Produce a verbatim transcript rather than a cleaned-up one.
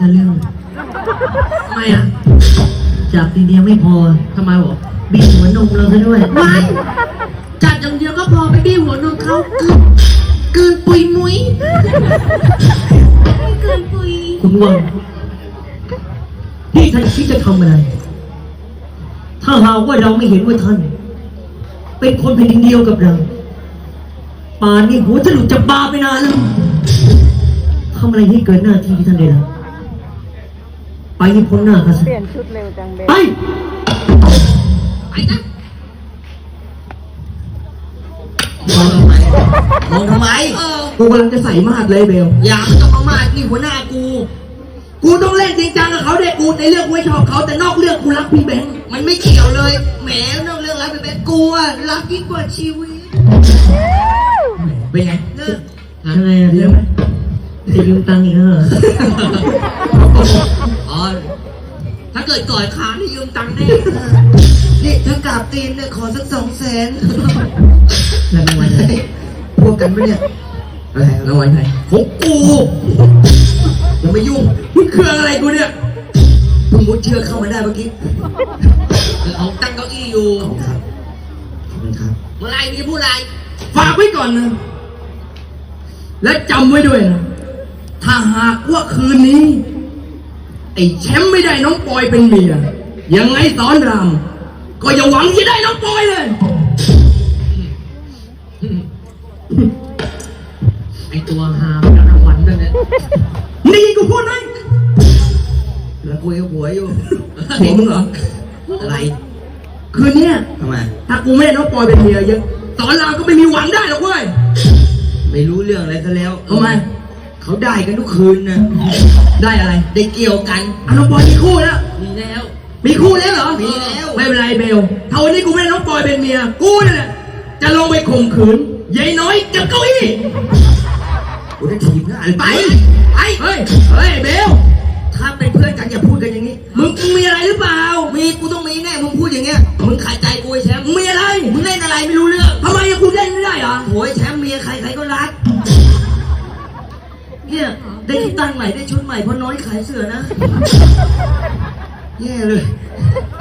เรื่องทำไมอ่ะจับทีเดียวไม่พอทำไมหรอบีบหัวนมเราซะด้วยไม่จัดอย่างเดียวก็พอไปบี้หัวนมเขาเกินเกินปุยมุ้ยเกินปุยคุณวังที่ท่านคิดจะทำอะไร ถ้าหากว่าเราไม่เห็นว่าท่าน เป็นคนแผ่นดินเดียวกับเราป่านนี้หัวจะหลุดจากบาไปนานแล้วทำอะไรให้เกินหน้าที่ที่ท่านได้รับไปให้พ้นหน้าข้าซะเปลี่ยนชุดเร็วจังเบลไปไปนะมองทำไมมองทำไมเออกูกำลังจะใส่มาดเลยเบลอย่ามาต้องมามานี่หัวหน้ากู กูต้องเล่นจริงจังกับเขาเด็กกูในเรื่องกูไม่ชอบเขาแต่นอกเรื่องกูรักพี่แบงค์มันไม่เกี่ยวเลยแหมนอกเรื่องรักพี่แบงค์กูอะรักยิ่งกว่าชีวิตเป็นไงเลิกทำไงอะเดี๋ยวจะยืมตังค์อีกแล้วเหรออ๋อถ้าเกิดก่อยขานี่ยืมตังค์ได้นี่ถ้ากราบตีนเนี่ยขอสักสองแสนแล้วรางวัลอะไรพวกกันปะเนี่ยอะไรรางวัลไหนของกูอย่ามายุ่งมึงเครื่องอะไรกูเนี่ยมึงมุดเชือกเข้ามาได้เมื่อกี้เอาตั้งเก้าอี้อยู่ครับขอบคุณครับเมื่อไรมีผู้ไรฝากไว้ก่อนนะและจำไว้ด้วยนะถ้าหากว่าคืนนี้ไอ้แชมป์ไม่ได้น้องปอยเป็นเมียยังไงสอนรามก็อย่าหวังจะได้น้องปอยเลยไอตัวหาไม่ได้รางวัลด้วยเนี่ยนี่กูพูดไหมแล้วกูยังหัวอยู่หัวมึงเหรออะไรคืนเนี้ยทำไมถ้ากูไม่ได้น้องปอยเป็นเมียยังสอนรามก็ไม่มีหวังได้หรอกเว้ยไม่รู้เรื่องอะไรซะแล้วทำไมเขาได้กันทุกคืนนะได้อะไรได้เกี่ยวกันอ่ะน้องปอยมีคู่แล้วมีแล้วมีคู่แล้วเหรอมีแล้วไม่เป็นไรเบลถ้าวันนี้กูไม่ได้น้องปอยเป็นเมียกูนี่แหละจะลงไปข่มขืนยายน้อยกับเก้าอี้กูจะถีบหน้าไปไปเฮ้ยเฮ้ยเบลถ้าเป็นเพื่อนกันอย่าพูดกันอย่างนี้มึงมีอะไรหรือเปล่ามีกูต้องมีแน่มึงพูดอย่างเงี้ยมึงขายใจกูไอ้แชมป์มึงมีอะไรมึงเล่นอะไรไม่รู้เรื่องทำไมอะกูเล่นไม่ได้เหรอโอ้ยแชมป์เมียใครใครก็รักเนี่ยได้ที่ตั้งใหม่ได้ชุดใหม่เพราะน้อยขายเสื้อนะแย่เลย